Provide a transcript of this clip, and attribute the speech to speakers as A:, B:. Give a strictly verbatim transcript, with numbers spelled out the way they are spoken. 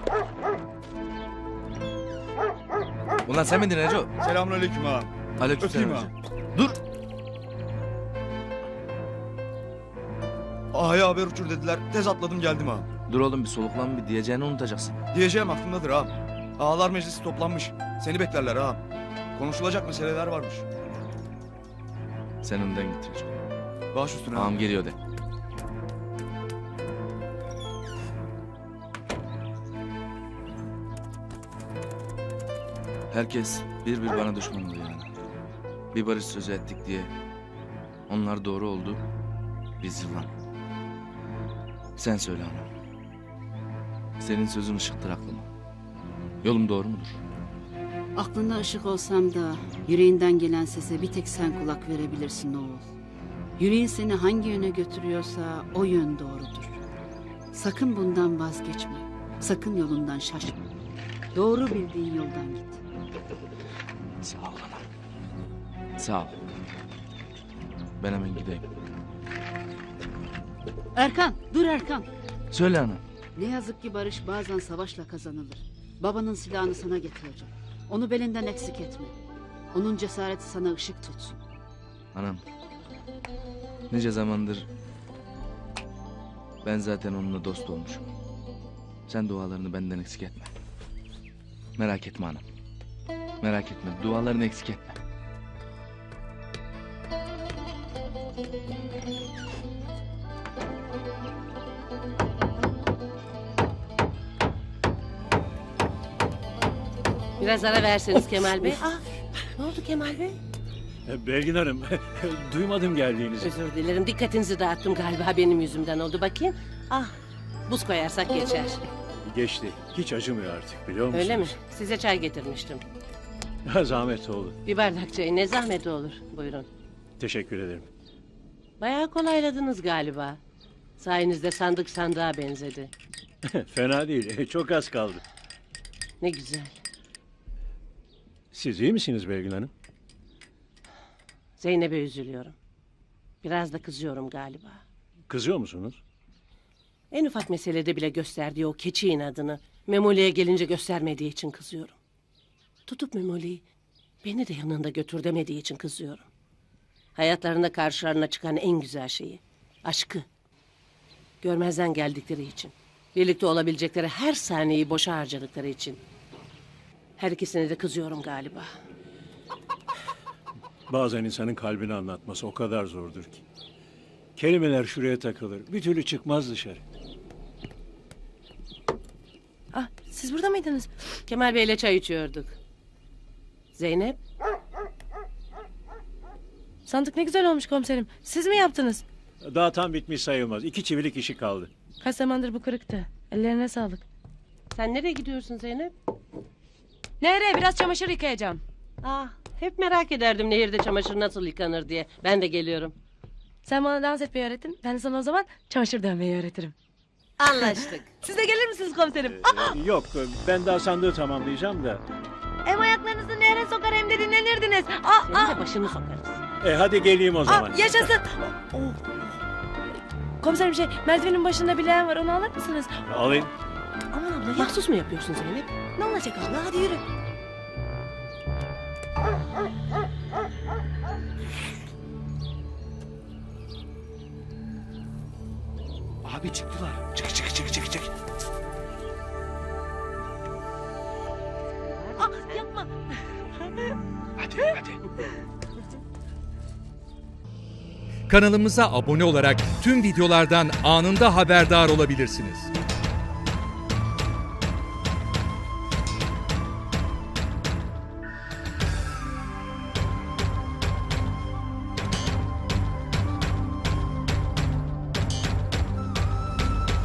A: Ulan sen miydin Neco?
B: Selamünaleyküm ağam.
A: Aleykümselam.
B: Öpeyim
A: Dur.
B: Ağaya haber uçur dediler. Tez atladım geldim ağam.
A: Dur oğlum bir soluklan, bir diyeceğini unutacaksın.
B: Diyeceğim aklımdadır ağam. Ağalar meclisi toplanmış. Seni beklerler ağam. Konuşulacak meseleler varmış.
A: Sen önden git Neco.
B: Baş üstüne ağam.
A: Ağam geliyor de. Herkes bir bir bana düşman oluyor yani. Bir barış sözü ettik diye. Onlar doğru oldu. Biz yılan. Sen söyle ana. Senin sözün ışıktır aklıma. Yolum doğru mudur?
C: Aklında ışık olsam da yüreğinden gelen sese bir tek sen kulak verebilirsin oğul. Yüreğin seni hangi yöne götürüyorsa o yön doğrudur. Sakın bundan vazgeçme. Sakın yolundan şaşma. Doğru bildiğin yoldan git.
A: Sağ ol anam. Sağ ol. Ben hemen gideyim.
C: Erkan, dur Erkan.
A: Söyle anam.
C: Ne yazık ki barış bazen savaşla kazanılır. Babanın silahını sana getireceğim. Onu belinden eksik etme. Onun cesareti sana ışık tutsun.
A: Anam. Nice zamandır ben zaten onunla dost olmuşum. Sen dualarını benden eksik etme. Merak etme anam. Merak etme. Dualarını eksik etme.
D: Biraz ara verseniz Kemal Bey. Ah, ne oldu Kemal Bey?
E: Belgin Hanım, duymadım geldiğinizi.
D: Özür dilerim, dikkatinizi dağıttım galiba, benim yüzümden oldu. Bakayım. Ah, buz koyarsak geçer.
E: Geçti, hiç acımıyor artık biliyor musunuz?
D: Öyle mi? Size çay getirmiştim.
E: Zahmet oldu.
D: Bir bardak çayı ne zahmet olur. Buyurun.
E: Teşekkür ederim.
D: Bayağı kolayladınız galiba. Sayenizde sandık sandığa benzedi.
E: Fena değil, çok az kaldı.
D: Ne güzel.
E: Siz iyi misiniz Belgin Hanım?
D: Zeynep'e üzülüyorum. Biraz da kızıyorum galiba.
E: Kızıyor musunuz?
D: En ufak meselede bile gösterdiği o keçi inadını Memoli'ye gelince göstermediği için kızıyorum. Tutup Memoli'yi beni de yanında götür demediği için kızıyorum. Hayatlarında karşılarına çıkan en güzel şeyi, aşkı. Görmezden geldikleri için, birlikte olabilecekleri her saniyeyi boşa harcadıkları için. Her ikisine de kızıyorum galiba.
E: Bazen insanın kalbini anlatması o kadar zordur ki. Kelimeler şuraya takılır, bir türlü çıkmaz dışarı.
F: Ah, siz burada mıydınız?
D: Kemal Bey'le çay içiyorduk. Zeynep,
F: Sandık ne güzel olmuş komiserim. Siz mi yaptınız?
E: Daha tam bitmiş sayılmaz, iki çivilik işi kaldı.
F: Kaç zamandır bu kırıktı. Ellerine sağlık.
D: sen nereye gidiyorsun Zeynep?
F: Nereye? Biraz çamaşır yıkayacağım.
D: Ah, hep merak ederdim nehirde çamaşır nasıl yıkanır diye. Ben de geliyorum.
F: Sen bana dans etmeyi öğrettin. Ben de sana o zaman çamaşır dövmeyi öğretirim.
D: Anlaştık.
F: Siz de gelir misiniz komiserim?
E: Ee, Yok, ben daha sandığı tamamlayacağım da.
F: Hem ayaklarınızı nehre sokar hem de dinlenirdiniz. Aa,
D: Senin
F: aa,
D: de başını sokarız.
E: E hadi geleyim o zaman.
F: aa, yaşasın. Oh. Komiserim şey, merdivenin başında bir leğen var. Onu alır mısınız?
E: Alayım.
F: Aman abla ya.
D: Mahsus mu yapıyorsun Zeynep?
F: Ne olacak abla? Hadi yürü.
B: Abi çıktılar. Çık çık çık çık çık.
F: Aa, yapma.
B: Hadi hadi.
G: Kanalımıza abone olarak tüm videolardan anında haberdar olabilirsiniz.